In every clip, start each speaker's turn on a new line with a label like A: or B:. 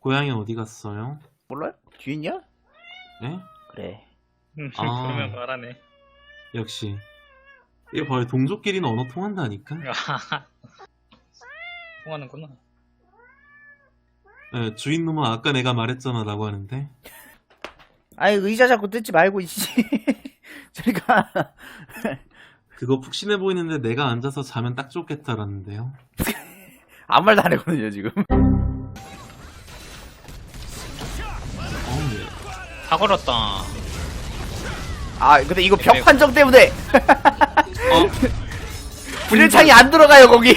A: 고양이 어디 갔어요?
B: 몰라요? 뒤에 있냐?
A: 네?
B: 그래.
A: 아.
C: 그러면 말하네.
A: 역시 이거 봐요, 동족끼리는 언어 통한다니까.
C: 통하는구나.
A: 네, 주인놈은 아까 내가 말했잖아 라고 하는데.
B: 아이 의자 자꾸 뜯지 말고 이씨. 저리가.
A: 그거 푹신해 보이는데 내가 앉아서 자면 딱 좋겠다라는데요.
B: 아무 말도 안 했거든요 지금.
A: 예.
C: 다 걸었다.
B: 아 근데 이거 벽 판정 때문에
A: 어?
B: 분열창이 안 들어가요 거기.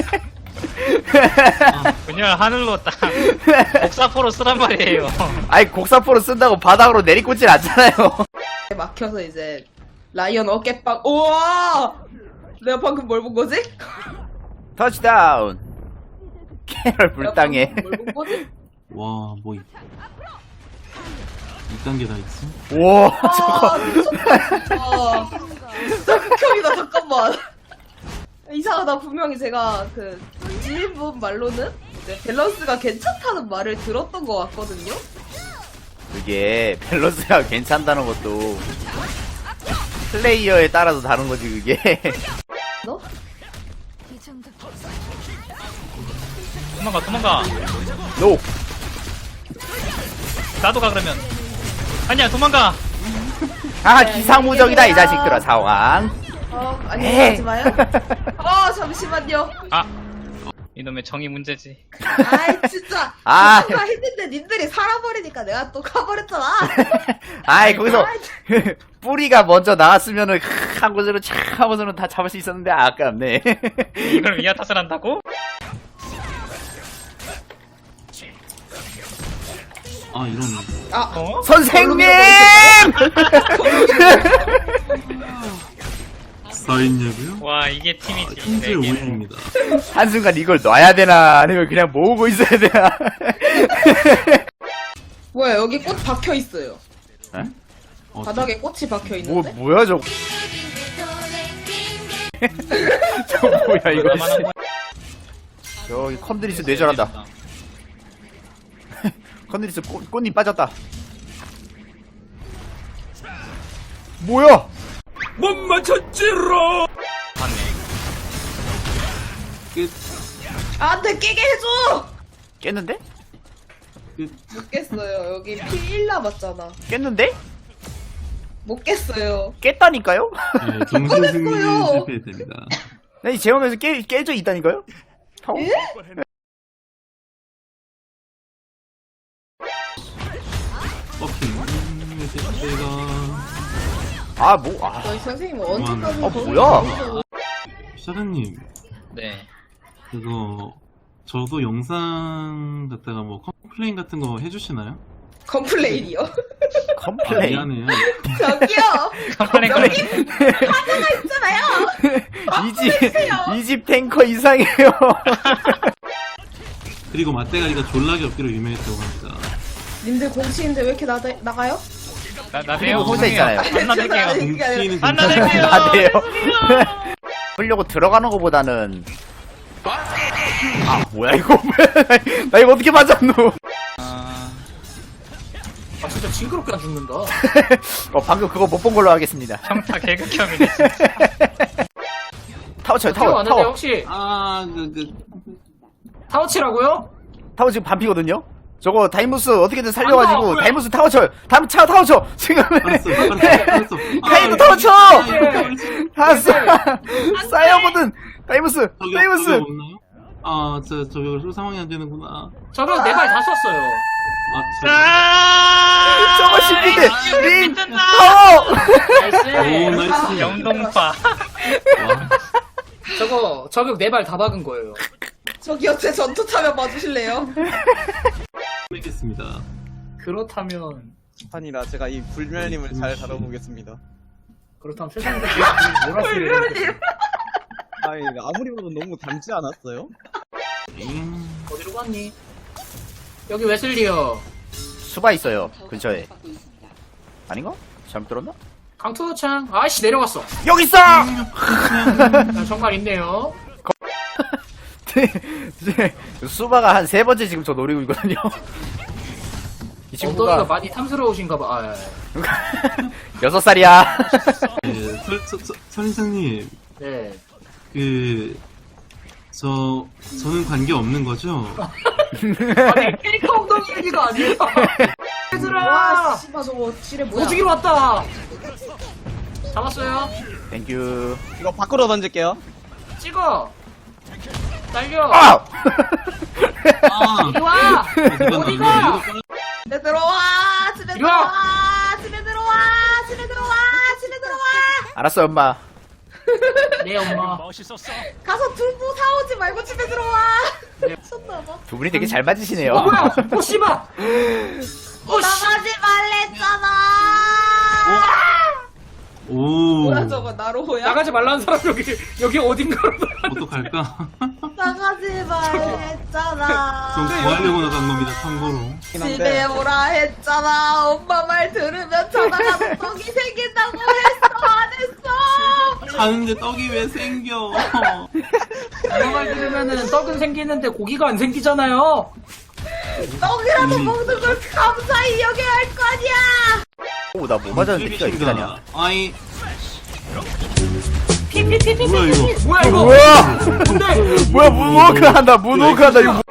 C: 그냥 하늘로 딱 복사포로 쓰란 말이에요.
B: 아이 곡사포로 쓴다고 바닥으로 내리꽂질 않잖아요.
D: 막혀서 이제 라이언 어깨빵. 우와! 내가 방금 뭘 본 거지?
B: 터치다운. 캐럴 불당해.
D: 뭘 본 거지?
A: 와, 뭐 2단계 다 있어?
B: 우와
D: 아, 미쳤다. 진짜 극혐이다. 잠깐만. 이상하다. 분명히 제가 그 지인분 말로는 이제 밸런스가 괜찮다는 말을 들었던 것 같거든요.
B: 그게 밸런스가 괜찮다는 것도 플레이어에 따라서 다른 거지 그게.
D: 너?
C: 도망가 도망가.
B: 노.
C: 나도 가 그러면. 아니야 도망가.
B: 아 기상무적이다 이 자식들아 상황.
D: 아니
B: 에이.
D: 하지 마요. 잠시만요.
C: 아 이놈의 정의 문제지.
D: 아이 진짜.
B: 아.
D: 가 했는데 님들이 살아버리니까 내가 또 가버렸잖아.
B: 아이 거기서 뿌리가 먼저 나왔으면은 하고서는 착 하고서는 다 잡을 수 있었는데 아깝네.
C: 이걸 위아 탓을 한다고?
A: 아, 이런.
C: 어?
B: 선생님!
A: 쌓였냐고요?
C: 와 이게 팀이지.
A: 현재
C: 네,
A: 5위입니다.
B: 한순간 이걸 놔야 되나 아니면 그냥 모으고 있어야 되나.
D: 뭐야 여기 꽃 박혀 있어요.
B: 에?
D: 바닥에 꽃이 박혀 있는데.
B: 뭐야 저거. 저거 뭐야 이거.
C: 나만한 거야.
B: 저기 컨드리스 뇌절한다. 컨드리스 꽃잎 빠졌다. 뭐야?
A: 못 맞췄지로!
C: 맞네.
A: 끝,
D: 안돼 깨게 해줘.
B: 깼는데?
A: 끝.
D: 못 깼어요. 여기 피 1 남았잖아.
B: 깼는데?
D: 못 깼어요.
B: 깼다니까요?
A: 네, 정신 승리는
D: 꺼냈어요.
A: 실패했답니다.
B: 아니 제형에서 깨져 있다니까요?
D: 예?
A: 내가
D: 저희 선생님 언제까지
B: 뭐야?
A: 샤르님,
C: 네.
A: 그거 저도 영상 갖다가 뭐 컴플레인 같은 거 해주시나요?
D: 컴플레인이요?
B: 컴플레인.
A: 미안해요.
D: 저기요.
C: 컴플레인
D: 여기 하나가 있잖아요.
B: 이집 탱커 이상해요.
A: 그리고 맞대가리가 졸라게 없기로 유명했다고 합니다.
D: 님들 공치인데 왜 이렇게 나가요?
C: 나대요.
B: 혼자 있잖아요.
C: 안 나댈게요.
A: 공치는
C: 안
A: 괜찮아요.
C: 나댈게요.
B: 나대요. 보려고 들어가는 거보다는 뭐야 이거. 나 이거 어떻게 맞았노.
E: 아 진짜 징그럽게 안 죽는다.
B: 방금 그거 못 본 걸로 하겠습니다.
C: 평타 개극혐이네 진짜.
B: 타워 쳐요
E: 타워
B: 타워
E: 왔는데
B: 타워
E: 혹시
A: 아,
E: 타워치라고요?
B: 타워 지금 반피거든요. 저거 다이무스 어떻게든
E: 안
B: 살려가지고
E: 나와,
B: 다이무스 타워 쳐요. 타워 쳐 지금.
A: 알았어.
B: 카이도 타워 쳐. 알았어. 쌓여보든 다이무스
A: 저기
B: 다이무스.
A: 없나요? 아, 저기 상황이 안 되는구나.
E: 저는 네 발 다 썼어요.
A: 아,
B: 저거 신비대 링
C: 뜬다.
B: 타워.
A: 오, 나이스.
C: 영동파.
A: 와,
E: 저거 저격 네 발 다 박은 거예요.
D: 저기요 제 전투 차면 봐주실래요?
A: 뵙겠습니다.
E: 그렇다면
F: 아니라 제가 이 불멸님을 잘 다뤄보겠습니다.
E: 세상에 몰았어요.
F: 아니 아무리 봐도 너무 닮지 않았어요?
E: 어디로 갔니? 여기 웨슬리요.
B: 수바 있어요 근처에. 아닌가? 잘못 들었나? 수바가 한 3번째 지금 저 노리고 있거든요. 이
E: 엉덩이가
B: 친구가
E: 많이 탐스러우신가 봐. 아,
B: 6살이야.
A: 네, 설인장님,
E: 네.
A: 저는 관계 없는 거죠?
E: 아니, 케이크 엉덩이 얘기가 아니야.
D: 와,
E: 얘들아!
D: 씨발, 저거 지뢰 뭐야?
E: 오지기로 왔다! 잡았어요.
B: 땡큐.
F: 이거 밖으로 던질게요.
E: 찍어! 날려!
B: 아!
A: 아,
E: 이리 와! 어디가?
D: 집에 들어와! 집에
E: 이리 와!
D: 들어와! 집에 들어와! 집에 들어와! 집에 들어와!
B: 알았어, 엄마.
E: 네, 엄마.
D: 가서 두부 사오지 말고 집에 들어와!
E: 네.
D: 미쳤나봐.
B: 두 분이 되게 잘 맞으시네요.
E: 뭐야! 오, 씨발! 오, 씨!
D: 나가지 말랬잖아!
A: 오,
D: 뭐야, 저거, 나로호야?
E: 나가지 말라는 사람 여기 어딘가로
A: 어떡할까?
D: 나가지 말랬잖아.
A: 전 구하려고 나간 겁니다, 참고로.
D: 집에 오라 했잖아. 엄마 말 들으면 자다가 떡이 생긴다고 했어, 안 했어?
A: 자는데 떡이 왜 생겨?
E: 엄마 말 들으면은 떡은 생기는데 고기가 안 생기잖아요.
D: 떡이라도 먹는 걸 감사히 여겨야 할 거 아니야!
B: 오, 나 뭐 맞았는데 피가 이렇게 나냐.
A: 아이,
E: 피피피피.
A: 뭐야, 이거?
E: 뭐야 이거?
B: 뭐야!
E: 뭔데?
B: 뭐야, 문워크 한다, 문워크 한다, 이거